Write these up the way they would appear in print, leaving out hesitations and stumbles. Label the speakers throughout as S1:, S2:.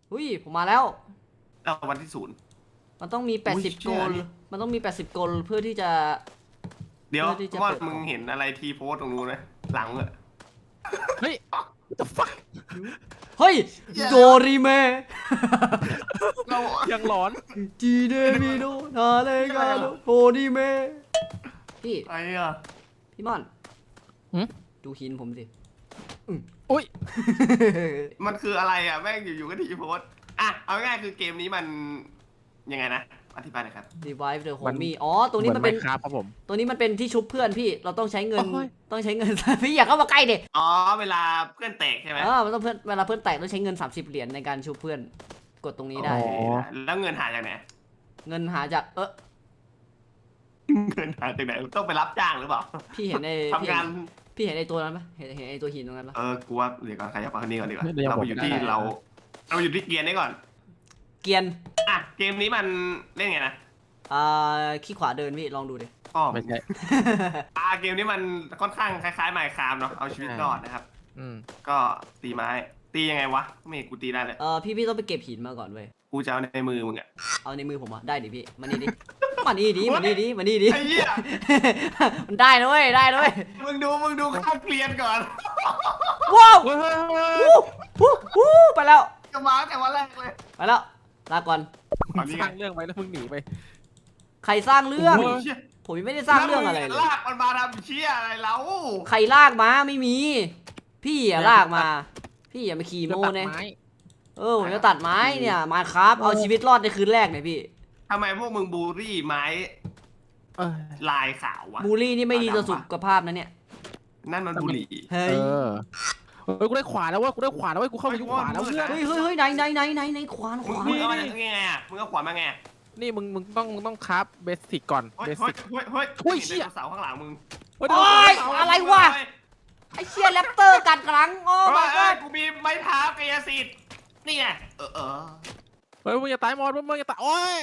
S1: อุ้ยผมมาแล้ว
S2: เอาวันที่ศูนย์
S1: มันต้องมี80 โกลมันต้องมี80 โกลเพื่อที่จะ
S2: เดี๋ยว
S1: เพื่อที่จะ
S2: ว่า
S1: เปิด
S2: มึงเห็นอะไรทีโพสตรงนู้นไหมหลังอะ
S3: เฮ้ย what the fuck
S1: เฮ้ยโดริเมะ
S2: เรา
S3: ยังหลอน
S1: จีเดมิโนนาเลกาโนโดริเมะพี่
S2: ไอ้อะ
S1: พี่ม่อน
S3: หืม
S1: ดูหินผมสิ
S3: อุ้ย
S2: มันคืออะไรอะแม่งอยู่ๆก็ทีโพสอ่ะเอาง่ายๆคือเกมนี้มันยังไงนะอธิบายหน่อยครับ
S1: Revive the
S3: มัน
S1: Homie อ๋อตรงนี้มันเป็น
S3: ครับครับผม
S1: ตัวนี้มันเป็นที่ชุบเพื่อนพี่เราต้องใช้เงิน
S3: โอ้ย
S1: ต้องใช้เงิน พี่อย่าเข้ามาใกล้เด็
S2: อ๋อเวลาเพื่อนแตกใช่ไหม
S1: มันต้องเวลาเพื่อนแตกต้องใช้เงิน30 เหรียญในการชุบเพื่อนกดตรงนี้ได้
S3: อ๋อ
S2: แล้วเงินหาจากไหน
S1: เงินหาจาก
S2: เงินหาจากไหนต้องไปรับจ้างหรือเปล่า
S1: พี่เห็นใน
S2: ทำงาน
S1: พี่เห็นไอตัวนั้นปะเห็นไอตัวหินตรงนั้นปะ
S2: กูว่าเดี๋ยวก่อนใครจะฟังคนนี้ก่อนดีกว่า
S3: เดี๋ยว
S2: เราไปอยู่ที่
S3: ผมได้
S2: เราอยู่ที่เกียร์นี้ก่อน
S1: เกียน
S2: อ่ะเกมนี้มันเล่นไงนะ
S1: ขี้ขวาเดินพี่ลองดูดิ
S2: อ๋อ
S3: ไม่ใช่
S2: เกมนี้มันค่อนข้างคล้ายๆไมค์ครามเนาะเอาชีวิตรอดนะครับ
S3: อืม
S2: ก็ตีไม้ตียังไงวะไม่เห็นกูตีได้เลย
S1: พี่ต้องไปเก็บหินมาก่อนเว้ย
S2: กูจะเอาในมือมึงอะ
S1: เอาในมือผมอะได้ดิพี่มานี่ดิ มานี่ดิมานี่ดิมานี่ดิ
S2: ไอ้เหี้ย
S1: มันได้นะเว้ยได้นะเว้ย
S2: มึงดูข้างเกลียนก่อน
S1: ว้าว
S3: เฮ้ยเฮ้ยเฮ้ย
S1: วู้ไปแล้ว
S2: จะมาแต่วันแรกเลย
S1: ไปแล้วลาก่อน
S2: อันนี้
S3: สร้างเรื่องไว้แล้วมึงหนีไป
S1: ใครสร้างเรื่อง
S3: โอ้ย
S2: เชี่ย
S1: ผมยังไม่ได้สร้างเรื่องอะไรเลย
S2: ลากมันมาทำเชี่ยอะไรแล้ว
S1: ใครลากมาไม่มี พี่อะลากมา พี่อย่ามาขี่โม
S3: จะตัด
S1: เนี่ย
S3: ไม้
S1: ผมจะตัดไม้เนี่ยมาครับเอาชีวิตรอดในคืนแรกเนี่ยพี่
S2: ทำไมพวกมึงบูลลี่ไม้
S3: เออ
S2: ลายขาววะ
S1: บูลลี่นี่ไม่ดีต่อสุขภาพนะเนี่ย
S2: นั่นมันบุหรี่
S1: เฮ้
S3: เอย อเฮ้ยกูได้ขวาแล้วเว้ยกูได้ขวาแล้วเว้ยกูเข้าไปยุคขวาแล้วเพื่อน
S1: เฮ้ยไหนขวานข
S2: มึง
S1: วาน
S2: เอามาไงอ่ะมึงเอาขวานมาไง
S3: นี่มึงต้องคราฟเบสิกก่อน
S2: เฮ้
S3: เบ
S2: ย
S3: สิก
S2: เฮ้ย
S3: โอ้ยเชี่ย
S2: เสาข้างหลังมึง
S3: เฮ้ย
S1: โอ้ยอะไรวะไอเชียแรปเตอร์กัดกลังโอ้
S2: เฮ้
S1: my
S2: ย
S1: god
S2: กูมีไม้เท้ากายสิทธิ์นี่ไง
S3: เฮ้ยมึงอย่าตายมอสมึงอย่าตายโอ้ย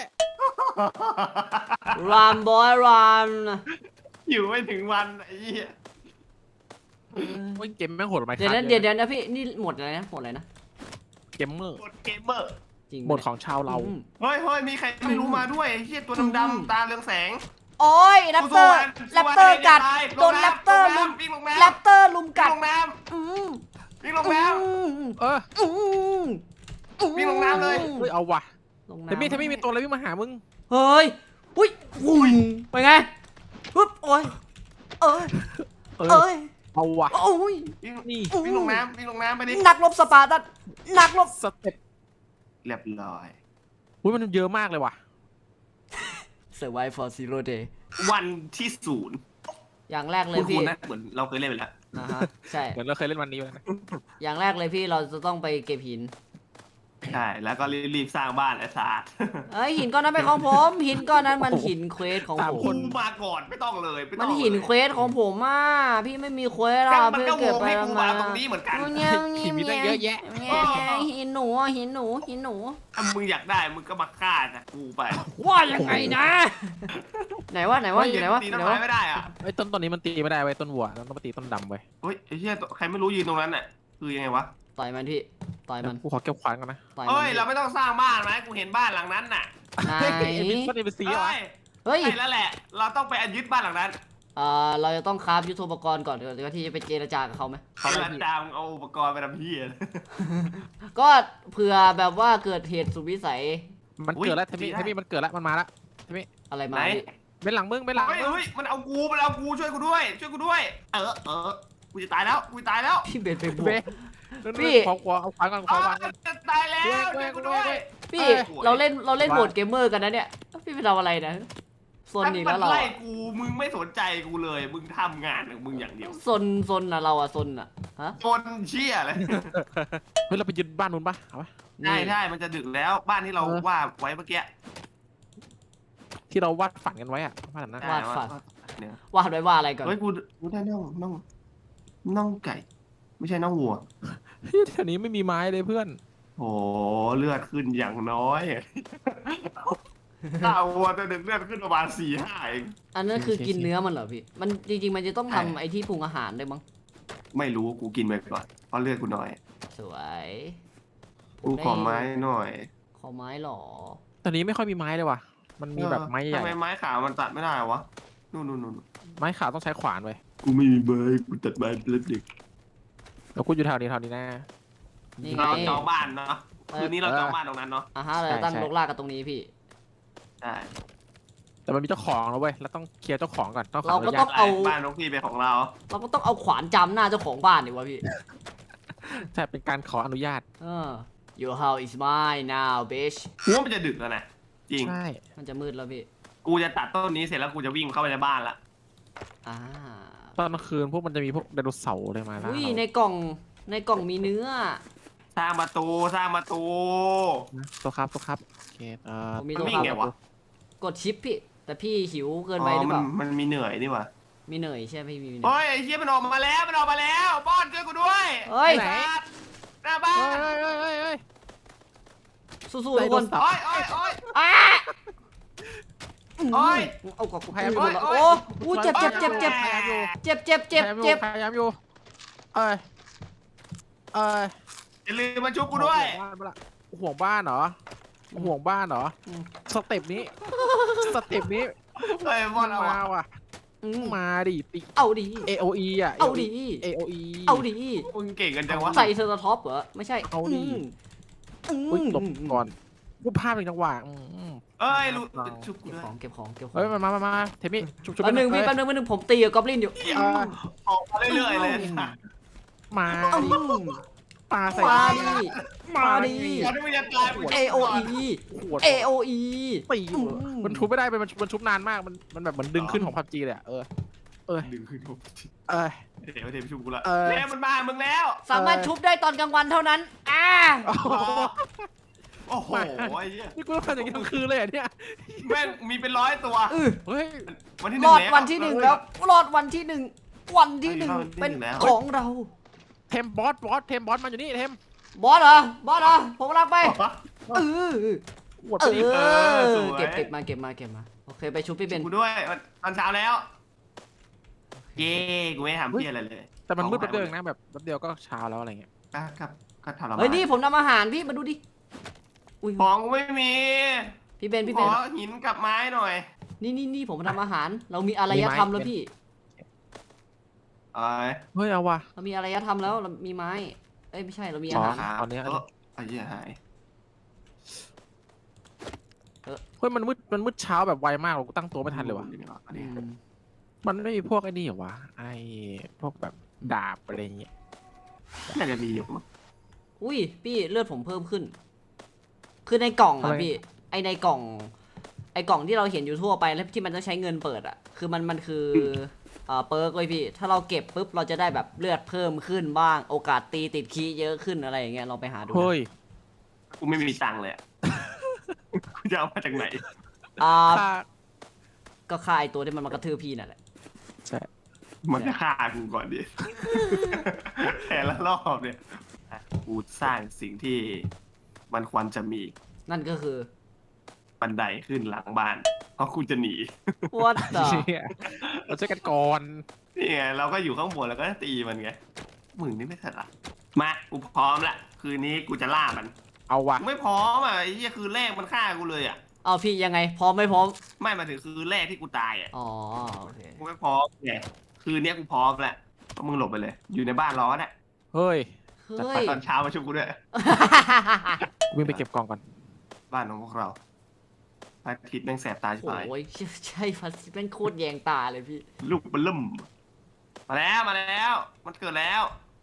S1: รันบอยรัน
S2: อยู่ไม่ถึงวันไอ้เหี้ย
S3: โอ้ยเกมแม่งโหดไหม
S1: เดี๋ยวนะพี่นี่หมดอะไรนะหมดอะไรนะ
S3: เกมเมอร์
S2: กดเกมเมอร์
S1: จริง
S3: หมดของชาวเรา
S2: เฮ้ยมีใครไม่รู้มาด้วยไอ้เหี้ยตัวดำๆตาเรืองแสง
S1: โอ้ยแรปเตอร์กัดโดนแรปเตอร์ลุม
S2: วิ่งลง
S1: แร
S2: น้ำ
S1: ปเตอร์ลุมกัด
S2: วิ่งลงน้
S1: อืม
S2: ำวิ่งลงน้
S3: เออ
S2: วิ่งลงน้ำเลย
S3: เฮ้ยเอาว่ะ
S1: ลง
S3: เทมี่
S1: น้ำ
S3: มีตัวอะไรวิ่งมาหามึง
S1: เฮ้ยอุ้ยอุ้ยไปไงปึ๊บโอ้ยเอ้ย
S3: เออ
S1: เอ้ย
S3: เอาว่ะ
S1: โอ้ย
S2: ำ
S3: นี่
S2: วิ่งลงน้ำไปดิ
S1: นักรบสปาร์ตันนักรบ
S3: สเต็ป
S2: เรียบร้อย
S3: อุ้ยมันเยอะมากเลยว่ะ
S1: Survive for Zero Day
S2: วันที่ศูนย์
S1: อย่างแรกเลย
S2: คุ
S1: พี่
S2: ณนะเหมือนเราเคยเล่นไปแล้ว
S1: นะฮะใช่
S3: เหมือนเราเคยเล่นวันนี้ไปนะ
S1: อย่างแรกเลยพี่เราจะต้องไปเก็บหิน
S2: ใช่แล้วก็รีบสร้างบ้านไอ้ศาสตร์
S1: เอ้ยหินก้อนนั้นเป็นของผมหินก้อนนั้นมันหินเควสของผ
S2: คุ
S1: ม
S2: ณมาก่อนไม่ต้องเลยไต้
S1: มั
S2: อน ง
S1: หิน
S2: ลย
S1: เควสของผมอ่ะพี่ไม่มีเควส
S2: ก็
S1: อ่ะ
S2: มัน
S1: พี่
S2: ก็ว
S1: เก็บ
S2: ง
S1: ไป
S2: ให้กู
S1: มา
S2: มาตรงนี้เหมือนกัน
S1: เงี้ย
S3: ขี่มีตั้งเยอะแยะ
S1: หินหนูอ่ะหินหนูหินหนู
S2: ถ้ามึงอยากได้มึงก็มาฆ่าจากกูไป
S1: ว่ายังไงนะ ไหนวะอยู่ไหนวะ
S2: ตี
S1: ไหน
S2: ต้นไม้
S1: วะ
S2: ไม่ได้อ่ะ
S3: ไอ้ต้นนี้มันตีไม่ได้ไว้ยต้นวัวต้องมาตีต้นดำไว้ย
S2: เฮ้ยไอ้เหี้ยใครไม่รู้ยืนตรงนั้นน่ะคือยังไงวะ
S1: ต่อยมันพี่ต่อยมัน
S3: กูขอเก็บขวานก่อนนะ
S1: ต่อย
S2: เฮ้
S1: มั
S2: ย
S1: น
S2: เราไม่ต้องสร้างบ้านไหมกูเห็นบ้านหลังนั้นน่ะ
S1: ไหน
S3: เฮ้ยไอ้บินต้นนี้เป็นสีเหรอ
S1: เฮ้ย
S2: ใช่แล้วแหละ เราต้องไปยึดบ้านหลังนั้น
S1: เราจะต้องคราฟยุทโธปกรณ์ก่อนเดี๋ยวที่จะไปเจรจากับเขาไหม
S2: เขาจะจามเอาอุปกรณ์ไปทำเหี้ย
S1: ก็เผื่อแบบว่าเกิดเหตุสุดวิสัย
S3: มันเกิดแล้วเทมี่มันเกิดแล้วมันมาแล้วเทมี่
S1: อะไรมา
S2: ไหน
S1: พี่
S3: เป็นหลังมึงเป็นหลัง
S2: เฮ้ย
S3: มึง
S2: เฮ้ยมันเอากูช่วยกูด้วยกูจะตายแล้ว
S1: พี่เบนไปบว
S3: เว้
S1: ก
S3: ย
S1: พี่
S3: ขอเอาขวานก่อนขอขวานก่อน
S2: จะตายแล้วช่วยกูด้วย
S1: พี่
S2: เอ้ย
S1: เราเล่นโหมดเกมเมอร์กันนะเนี่ยพี่ไปทำอะไรนะซนอีกแล้วเรา
S2: ไล่
S1: อะ
S2: กูมึงไม่สนใจกูเลยมึงทำงานของมึงอย่างเดียว
S1: ซนอะเราอะซนอะฮะ
S2: จนเชี่ยเลย
S3: เฮ้ยเราไปยึดบ้านนู้นปะเอาปะ
S2: ใช่มันจะดึกแล้วบ้านที่เราว่าไว้เมื่อกี้
S3: ที่เราวาดฝันกันไว้อะบ้านนั้นนะ
S1: วาดฝัน
S2: เนี่ย
S1: วาดไว้ว่าอะไรก่อน
S2: เฮ้ยกูได้น่องไก่ ไม่ใช่น่องวัว
S3: เฮ้ยแถวนี้ไม่มีไม้เลยเพื่อน
S2: โอ้เลือดขึ้นอย่างน้อยข้าววัวตัวหนึ่งเลือดขึ้นประมาณ4-5เอง
S1: อันนั้นคือกินเนื้อมันเหรอพี่มันจริงๆมันจะต้องทำไอ้ที่ปรุงอาหารด้วยมั้ง
S2: ไม่รู้กูกินไปก่อนเพราะเลือดกูน้อย
S1: สวยผ
S2: กูขอไม้หน่อย
S1: ขอไม้หรอ
S3: ตอนนี้ไม่ค่อยมีไม้เลยว่ะมันมีแบบไม้ใหญ่
S2: ทำไมไม้ขาวมันตัดไม่ได้วะนู่น
S3: ไม้ขาวต้องใช้ขวานไว้
S2: กูไม่มีไม้กูตัดไม้เป็นเด็ก
S3: แล้วกูอยู่แถวนี้นะ
S1: นี่ไง
S2: เราจองบ้านเนาะคืนนี้เราจองบ้านตรงนั้นเนาะ
S1: เราจะตั้งรกรากกันตรงนี้พี่
S2: ใช่
S3: แต่มันมีเจ้าของแล้วเว้ยเราต้องเคลียร์เจ้าของก่อนต้องขอ
S1: เรา
S3: อ
S1: ก็
S3: นุ
S1: ต้
S3: ญา
S1: อ
S3: ต
S1: งเอา
S2: บ้านน้องพี่เป็นของเรา
S1: เราก็ต้องเอาขวานจำหน้าเจ้าของบ้านดิวะพี่
S3: ใช่เป็นการขออนุญาต
S1: Your house is mine now bitch
S2: กูว่ามันจะดึกแล้วนะจริง
S3: ใช่
S1: มันจะมืดแล้วพี่
S2: กูจะตัดต้นนี้เสร็จแล้วกูจะวิ่งเข้าไปในบ้านละ
S1: อ่า
S3: ตอนกลางคืนพวกมันจะมีพวกไดโนเสาร์เลยมาแล้ว
S1: อุ้ยในกล่องมีเนื้อ
S2: สร้างประตู
S3: ตัวครับโอเค
S1: ผมมี
S2: มัน
S1: ตัว
S2: วิ่งไงวะ
S1: กดชิปพี่ แต่พี่หิวเกินไปหรือเปล่า
S2: มันมีเหนื่อยนี่วะ
S1: มีเหนื่อยใช่ไหมพี่มีเหนื่อย
S2: เฮ้ยไอ้เหี้ยมันออกมาแล้วป้อนช่วยกูด้วย
S1: เฮ้ย
S2: สัตว์หน้าบ้าน
S3: เฮ้ย
S1: สู้ๆทุกคน
S2: โอ้ย
S1: อ้า
S2: โอ้ย
S1: เอากับกู
S3: พยายามอยู่
S1: โอ้อู้เจ็บ
S3: พยายามอยู่ พยายามอยู่เอ้ย
S2: อย่าลืมมาชุบกูด้วย
S3: ห่วงบ้านเหรอสเต็ปนี้
S2: เฮ้ยบอลเอา
S3: มาว่ะมาดิติ
S1: เอาดิ
S3: AOE อ่ะ
S1: เอาดิ
S3: AOE
S1: เอาดิ
S2: มึงเก่งกันจังวะ
S1: ใส่เซอร์ท็อปเหรอไม่ใช่
S3: เอาดิ อุ้ยหลบก่อนกูพลาดเป็นจังหวะ
S2: เอ้ยรู้ชุบกู
S1: เก็บ
S2: ด้วย
S1: ของเก็บของเก็บของ
S3: เฮ้ยมาเทมี่ชุบ
S1: แป๊บนึงพี่แป๊บนึงผมตีกับกอบลินอยู่
S2: ออกมาเรื่อยๆเลย
S3: มาดิปลาใส่
S1: มาดิมาดิ
S2: ก่อนที่มึงจะตาย
S1: AOE
S3: ขวด
S1: AOE
S3: ตีมันทุบไม่ได้มันชุบนานมากมันแบบเหมือนดึงขึ้นของพับจีเลยอ่ะ
S2: ดึงขึ้นทุบ
S3: เ
S2: เดี๋ยวชุบกูละ
S3: เออ
S2: เนี่ยมันมามึงแล้ว
S1: สามารถชุบได้ตอนกลางวันเท่านั้น
S2: โอ้โหไอ้เหี้ย
S3: นี่กูต้องทำอย่างนี้ทั้งคืนเลยอ่ะเนี่ย
S2: แม่งมีเป็น100 ตัว
S3: เฮ้ย
S2: วันที่
S1: รอด
S2: 1
S1: วันที่ 1แล้วรอดวันที่ 1 วันที่ 1เป็นของเรา
S3: เทมบอสมันอยู่นี่เทม
S1: บอสเหรอผมกำลังไปเออ
S3: ขวด
S1: เอ
S3: ไปดิ
S1: อเก็บมาโอเคไปชุบพี่เบน
S2: กูด้วยตอนเช้าแล้วเย้กูไม่ทำเพี้ยอะไรเลย
S3: แต่มันมืดแป๊บเดียวเองนะแบบแป๊บเดียวก็เช้าแล้วอะไรเงี้ย
S2: ก็ทรมาน
S1: เฮ้ยนี่ผมทำอาหารพี่มาดูดิอุ้ย
S2: ของกูไม่มี
S1: พี่เบน
S2: ขอหินกับไม้หน่อย
S1: นี่ผมทำอาหารเรามีอารยธรรมแล้วพี่
S3: เฮ้ยเอาว่ะ
S1: เรามีอารยธรรมแล้วเรามีไม้เอ้ยไม่ใช่เรามีอาหาร
S3: ตอนนี้
S2: ไอ้เหี้ยหาย
S3: เฮ้ยมันมืดเช้าแบบไวมากเราตั้งตัวไม่ทันเลยว่ะมันไม่มีพวกไอ้นี่เหรอวะไอ้พวกแบบดาบอะไรเงี้ย
S2: น่าจะมีอยู่มั้ง
S1: อุ้ยพี่เลือดผมเพิ่มขึ้น คือในกล่องอะพี่ในกล่องที่เราเห็นอยู่ทั่วไปแล้วที่มันต้องใช้เงินเปิดอะคือมันคือเปิร์กเลยพี่ถ้าเราเก็บปุ๊บเราจะได้แบบเลือดเพิ่มขึ้นบ้างโอกาสตีติดคีย์เยอะขึ้นอะไรอย่างเงี้ยลองไปหาดู
S3: เฮ้ย
S2: กูไม่มีตังค์เลยกูจะเอามาจากไหน
S1: ก็ฆ่าไอตัวที่มันมากระทืบพี่นั่นแหละ
S3: ใช่
S2: มันจะฆ่ากูก่อนดิแต่ละรอบเนี่ยกูสร้างสิ่งที่มันควรจะมี
S1: นั่นก็คือ
S2: บันไดขึ้นหลังบ้านเพราะกูจะหนี
S1: What the
S3: เราช่วยกันก่อน
S2: นี่ไงเราก็อยู่ข้างบนแล้วก็ตีมันไงมึงนี่ไม่ถนัดมากูพร้อมละคืนนี้กูจะล่ามัน
S3: เอาว่ะ
S2: กูไม่พร้อมอ่ะไอ้เหี้ยคือแรกมันฆ่ากูเลยอ่ะ
S1: เอาพี่ยังไงพร้อมไม่พร้อม
S2: ไม่มาถึงคือแรกที่กูตายอ่ะ
S1: อ๋อโอเค
S2: กูไม่พร้อมไงคืนนี้กูพร้อมแหละก็มึงหลบไปเลย อยู่ในบ้านร้อนอ่ะ
S3: เฮ้ย
S1: เฮ้ย
S2: ตอนเช้ามาช่วยกูด้วย
S3: วิ่งไปเก็บกล่องก่อน
S2: บ้านของพวกเราพระอาทิตย์แม่งแสบตาชิบหาย
S1: โอ้ยใช่ฟันซิเป็นโคตรแยงตาเลยพี่
S2: ลูกมันเริ่มมาแล้วมันเกิดแล้ว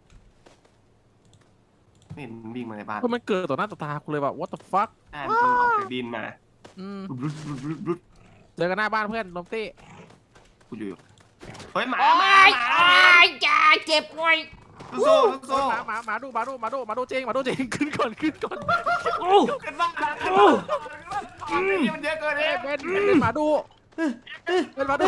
S2: ไม่เห็นมันวิ่งมาในบ้าน
S3: เฮ้ยมันเกิดต่อหน้าต่อตากูเลยแบบ what the fuck
S2: ใช่มันออกจากดินมา รุด
S3: เจอกันหน้าบ้านเพื่อนลมตี้
S2: กูอยู่เฮ้ยหมา
S1: โอ้
S2: หมาย
S1: อย่าเจ็บไว้
S2: สู้
S3: หมาดูจริงขึ้นก่อน
S1: โอ้
S2: ขึ้นบ้านมันเยอะเกินเลย
S3: เป็นหมาดูเป็นหมาดู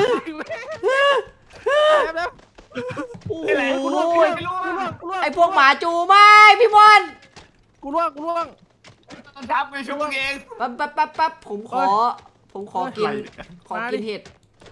S3: แล้ว
S1: โห
S2: กูล่วง
S1: ไอพวกหมาจูไม่พี่บอล
S3: กูล่วง
S2: ทับไปช่วยมึงเอง
S1: แป๊บผมขอกินเห็ด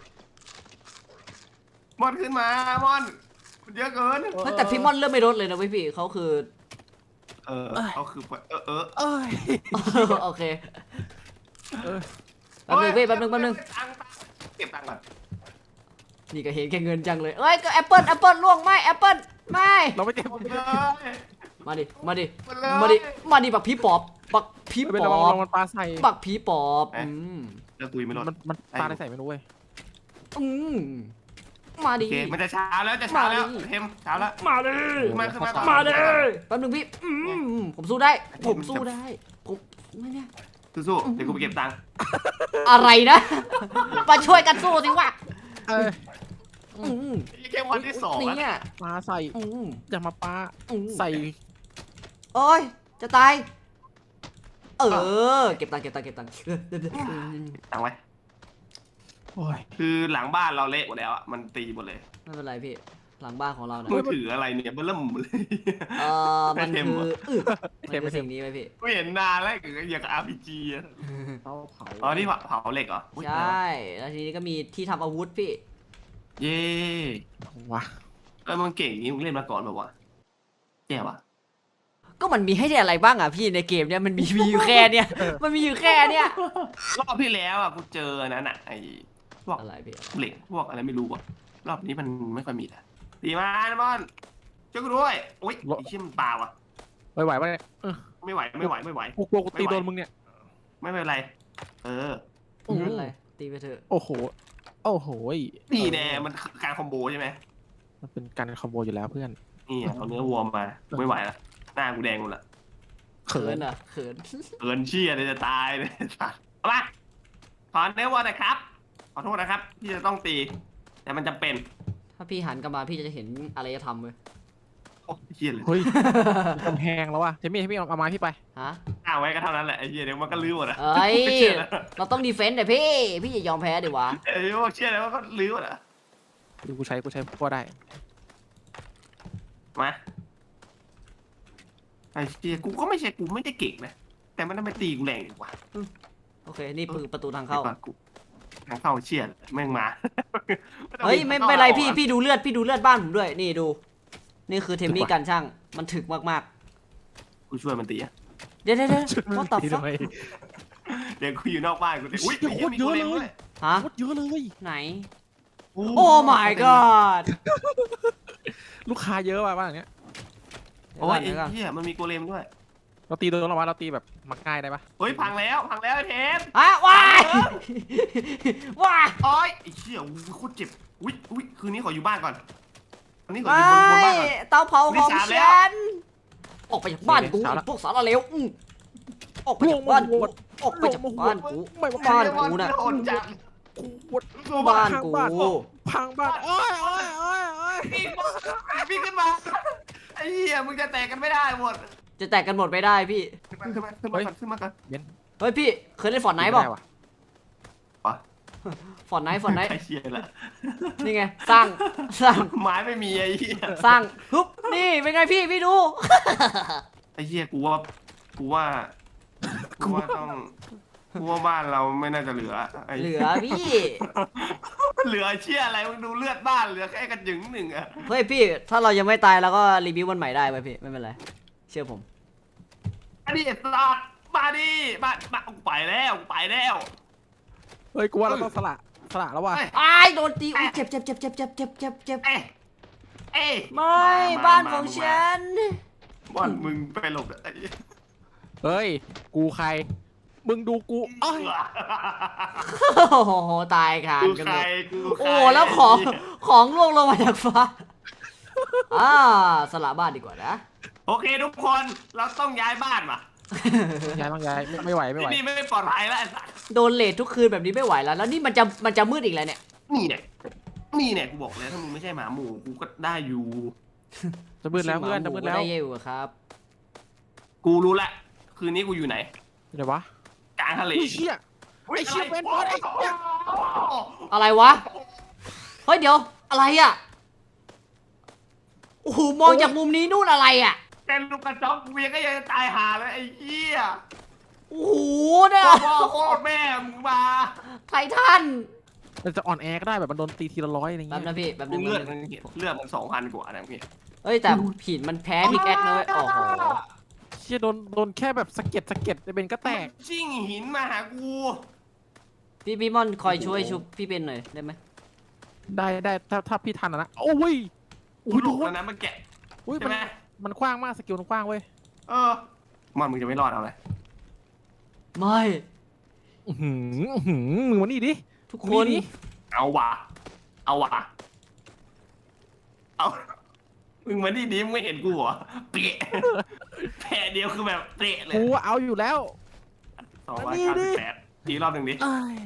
S2: มอนขึ้นมามอนมันเยอะเกิน
S1: เฮ้ยแต่พี่มอนเริ่มไม่ลดเลยนะพี่เขาคือ
S2: เขาคือ
S3: เอ้ย
S1: โอเค
S3: เออ
S1: แป๊บนึงพี่แป๊บนึง
S2: เก็บตังค์ก่อน
S1: นี่ก็เห็นแค่เงินจังเลยเอ้ยก็แอปเปิลล่วงไม่แอปเปิลไม่
S3: เราไม่เจ็บ
S2: เลย
S1: มาดิมาดิ
S2: เลย
S1: มาดิมาดิบักผีปอบบักผี
S3: ไม่เป็น
S1: ป
S3: ไร
S1: อ
S3: ระวั
S1: บ
S3: งมันปลาใส่
S1: บักผีปอบม
S2: แล้วตุยไม่รอด
S3: มันปลาอะไรใส่ไม่รู้เว้ย
S1: อืมมา
S2: โอ
S1: ดิ
S2: เคมันจะเช้าแล้วจะเช้าแล้ว
S1: มาดิ
S2: เทมเช้าแล้ว
S1: มาดิ
S2: ขึ้นมาก่อน
S1: มาดิแป๊บนึงพี่ผมสู้ได้ผมสู้ได้ผมไม่เนี่ย
S2: สู้ๆเดี๋ยวกูไปเก็บตังค์
S1: อะไรนะมาช่วยกันสู้สิวะ
S3: เอ้ย
S1: อืม
S2: นี่แค่วันที่2
S1: เนี่ย
S3: ปลาใส่
S1: อืม
S3: อย่ามาปลา
S1: อืม
S3: ใส่
S1: โอ้ยจะตายเก็บตังค์
S2: ตังค์ไว้
S3: โอ้ย
S2: คือหลังบ้านเราเละหมดแล้วอ่ะมันตีหมดเลย
S1: ไม่เป็นไรพี่หลังบ้านของเราเนี่ย
S2: มือถืออะไรเนี่ยเบิ่มเลย
S1: มัน
S2: ไม่เต็ม
S1: คือ
S2: หรอ
S1: มันคือสิ่งนี้ไหมพี่
S2: กูเห็นนานแล้วอย่างกับ RPG อ่ะ
S3: เตาเผา
S2: อ๋อนี่เผาเหล็กเหรออุ๊ย
S1: ใช่แล้วทีนี้ก็มีที่ทำอาวุธพี่
S2: เย่
S3: วะ
S2: มึงเก่งนี้มึงเล่นมาก่อนแบบว่าแย่ว่ะ
S1: ก็มันมีให้ได้อะไรบ้างอ่ะพี่ในเกมเนี่ยมันมีอยู่แค่เนี่ยมันมีอยู่แค่เนี่ย
S2: รอบที่แล้วอ่ะกูเจออันนั้นอ่ะไอ้พวก
S1: อะไรพี่
S2: เหล็กพวกอะไรไม่รู้อ่ะรอบนี้มันไม่ค่อยมีแล้วดีมากนะบอลช่วยกูด้วยโอ๊ยไอ้เชี่ยมันปลาว่ะ
S3: ไหวปะเนี่ย
S2: ไม่ไหว
S3: กูกลัวกูตีโดนมึงเนี่ย
S2: ไม่เป็นไร เออ
S1: ไม่เป็นไรตีไปเถอะ
S3: โอ้โห โอ้โห
S2: นี่แน่มันคือการคอมโบใช่ไหม
S3: มันเป็นการคอมโบอยู่แล้วเพื่อน
S2: นี่เอาเนื้อวัวมาไม่ไหวละหน้ากูแดงหมดละ
S1: เขินอ่ะเขิน
S2: เกินเชี่ยเลยจะตายเลยสัตว์เอามาขอเนื้อวัวหนะครับขอโทษนะครับที่จะต้องตี แต่มันจำเป็น
S1: ถ้าพี่หันกลับมาพี่จะเห็นอะไรจะทำเลย
S2: โอ้เชี่ยเลย
S3: เฮ้ยกำแพงแล้วว่ะเจมี่ให้พี่เอาไม้พี่ไป
S1: ฮะ
S2: เอาไว้ก็เท่านั้นแหละไอ้เชี่ยเดี๋ยวมันก็ลื้อหมดอะ
S1: เอ้ย
S2: ไม่เชื่อแล้ว
S1: เราต้องดีเฟนต์แต่พี่อย่ายอมแพ้ดิวะ
S2: ไอ้พวกเชี่ยแล้วมันก็ลื้อหมดอะ
S3: ดูกูใช้ก็ได้
S2: มาไอ้เชี่ยกูก็ไม่ใช่กูไม่ได้เก่งนะแต่มันทำไมตีกูแรงดีกว่า
S1: โอเคนี่คือประตูทางเข้า
S2: กูทางเข้าเชี่ยแม่งมา
S1: เฮ้ยไม่เป็นไรพี่ดูเลือดบ้านผมด้วยนี่ดู นี่คือเทมมี่กันช่างมันถึกมาก
S2: กูช่วยมันตีอะ
S1: ๆเดี๋ยวว่าตับ
S3: ตี
S1: ฟั
S3: ทำไม
S2: เดี๋ยวกูอยู่นอกบ้านกูเลยอุ้ย
S3: โคตรเยอะเลย
S2: ด้วย
S1: ฮะ
S3: โคตรเยอะเลย
S1: ไหนโอ้ my god
S3: ลูกค้าเยอะว่ะบ้านเนี้ย
S2: โอ้ยไอ้
S1: เดี๋ยวก่อน
S2: เหี้ยมันมีโกเลมด้วย
S3: เราตีโดนเราวะเราตีแบบมักง่ายได้ปะ
S2: เฮ้ยพังแล้วไอ้เทม
S1: ฮะว้ายว้าย
S2: โอ้ยไอ้เชี่ยโคตรเจ็บอุ้ยคืนนี้ขออยู่บ้านก่อนอันนี้ขอ
S1: ไม
S2: อยู่บนบ้า
S1: ่
S2: นก่อน
S1: เตาเผาของ
S2: นี่สามแล้ว
S1: ฉันออกไปจากบ้านกูพวกสารเลวออกไปจากบ้านกูออกไปจากบ้านกู
S3: ไม่ว่า
S1: บ้านกูน่ะ
S2: โดนจัด
S1: บ้านกู
S3: พังบ้านโอ้ยโอ้ยโอ้ยโอ้ย
S2: พี่ขึ้นมาไอ้เหี้ยมึงจะแตกกันไม่ได้หมด
S1: จะแตกกันหมดไม่ได้พี่
S2: ขึ้นมาก่อน
S1: เฮ้ยพี่เคยเล่นฟอร์ดไนท์เปล่า
S3: ม่ด้ว่ะ
S1: ฟอร์ดไนท์
S2: ไอ้เชี่ยละ
S1: นี่ไงสร้าง
S2: ไม้ไม่มีไอ้เหี้ย
S1: สร้างฮึบนี่เป็นไงพี่ดู
S2: ไอ้เหี้ยกูว่าบ้านเราไม่น่าจะเหลือไอ้
S1: เหลือพี่
S2: เหลือเชี่ยอะไรมึงดูเลือดบ้านเหลือแค่กระจึงหนึ่งอะ
S1: เฮ้ยพี่ถ้าเรายังไม่ตายเราก็รีวิววันใหม่ได้ไหมพี่ไม่เป็นไรเชื่อผม
S2: อันนี้สัตว์มาดิมากูไปแล้ว
S3: เฮ้ยกูว่าเราต้องสละแล้วว่ะ
S1: อ้ายโดนตีอุ้ยเจ็บเอ้ยไม่บ้านของฉัน
S2: บ้านมึงไปหลบไอ้
S3: เฮ้ยกูใครมึงดูกูอ้อย
S1: โอ้โหตายค่ะ
S2: กู
S1: กัน
S2: ใค
S1: หม
S2: ร
S1: ด
S2: กู
S1: โอ้แล้วของร่วงลงมาจากฟ้าสละบ้านดีกว่านะ
S2: โอเคทุกคนเราต้องย้ายบ้านว่ะ
S3: ต้องย้ายไม่ไหว
S2: ที่นี่ไม่ปลอดภัยแล้วไอ้สัส
S1: โดนเลททุกคืนแบบนี้ไม่ไหวแล้วนี่มันจะมืดอีกแล้วเนี่ย
S2: นี่เนี่ยกูบอกแล้วถ้ามึงไม่ใช่หมาหมูกูก็ได้อยู่
S3: จะมืดแล้วเพื่อนจะมืดแล้ว
S1: ได้อยู่ครับ
S2: กูรู้ละคืนนี้กูอยู่ไหน
S3: เดี๋ยววะ
S2: กลางทะเล
S3: ไอ้เชี่ยเป็นบอสไอ้เชี่ย
S1: อะไรวะเฮ้ยเดี๋ยวอะไรอ่ะโอ้โหมองจากมุมนี้นู่นอะไรอ่ะ
S2: เป็นลูกกระจอกเวียก็ยังจะตายหาเลยไอ้เหี้ย
S1: โอ้โหเนี่ย
S2: พ่อโคตรแม่มึงมา
S1: ไททัน
S3: มันจะอ่อนแอก็ได้แบบมันโดนตีทีละ100อะไร
S1: แป๊บ
S3: เงี้ย
S1: นะพี่แป๊บนึง
S2: เลือดมัน2,000 กว่านะพี่
S1: เฮ้ยแต่หินมันแพ้พิกแอคนะเว้ยโอ้โห
S3: เชี่ยโดนแค่แบบสะเก็ดจะเป็นก็แตก
S2: ชิ่งหินมาหากู
S1: พี่ม่อนคอยช่วยชุบพี่เป็นหน่อยได้ไหม
S3: ได้ถ้าพี่ทันนะโอ้ย
S2: กู
S3: โอ้ย
S2: ห
S3: โด
S2: ลุด
S3: น
S2: แล้วนะมันแกะ
S3: อุ้ย
S2: ใช่ไหม
S3: มันกว้างมากสกิลมันกว้างเว้ย
S2: เออมันมึงจะไม่รอดเอาเลย
S1: ไม่
S3: อื้อหือมึงมานี่ดิ
S1: ทุกคน
S3: นี่
S2: เอาว่ะเอามึงมาดีมึงไม่เห็นกูเหรอเปะแผลเดียวคือแบบเปะเลย
S3: กูเอาอยู่แล้ว
S2: 298ทีรอบหนึ่งดิ
S3: เอ้ย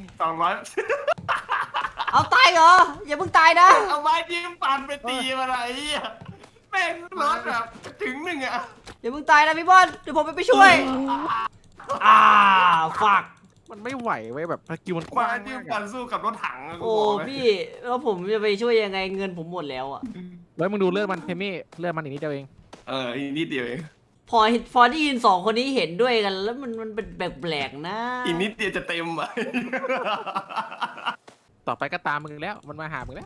S2: 200
S1: เอาตายเหรออย่าเพิ่งตายนะ
S2: เอาไม้จิ้มฟันไปตีมันอะไรอ่ะแม่งรถแบบถึงหนึ่งอ่ะ
S1: อย่าเพิ่งตายนะพี่บอลเดี๋ยวผมไปช่วยฝัก
S3: มันไม่ไหวเว้ยแบบสกิลมันก
S2: ไม้
S3: ว้าง
S2: จิ้ม
S3: มาก
S2: ฟั
S3: อะ
S2: นสู้กับรถถังะกู
S1: โอ้
S2: บอกเลย
S1: พี่แล้วผมจะไปช่วยยังไงเงินผมหมดแล้วอ่ะ
S3: แล้วมึงดูเลือดมันเทมี่เลือดมันอีกนิดเดียวเอง
S2: อีกนิดเดียวเอง
S1: พอได้ยินสองคนนี้เห็นด้วยกัน แล้วมันเป็นแปลกๆนะ
S2: อีกนิดเดียวจะเต็มอ่ะ
S3: ต่อไปก็ตามมึงแล้วมันมาหามึงแล้ว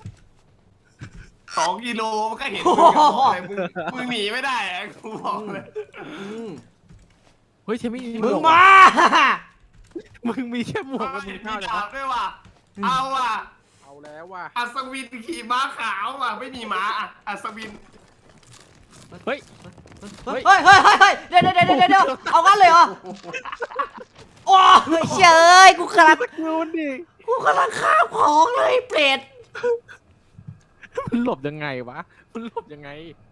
S2: 2 กิโลมันก็เห็นมึงอะบอกเลยมึงหนีไม่ได้อะกูบอกเลย
S1: อืม
S3: เฮ้ยเทมี่
S1: มึง
S3: หวก
S1: มา
S3: มึงมีแค่หมวก
S2: เอา
S3: กับมึ
S2: เห็
S3: ง
S2: น
S3: เข้า
S2: มี
S3: เลย
S2: ดาบด้วยว่ะเอาว่ะ
S3: เอาแล้วว่ะ
S2: อัศวินขี่ม้าขาวว่ะไม่มีม้าอ่ะอัศวิน
S3: เฮ้ย
S1: เฮ้ยเฮ้ยเฮ้ยเฮ้ยเดี๋ยวเอางั้นเลยเหรอโอ้ยเฉยกูกำลัง
S3: ดูดิ
S1: ข้ามของเลยเปรต
S3: มันหลบยังไงวะมันหลบยังไง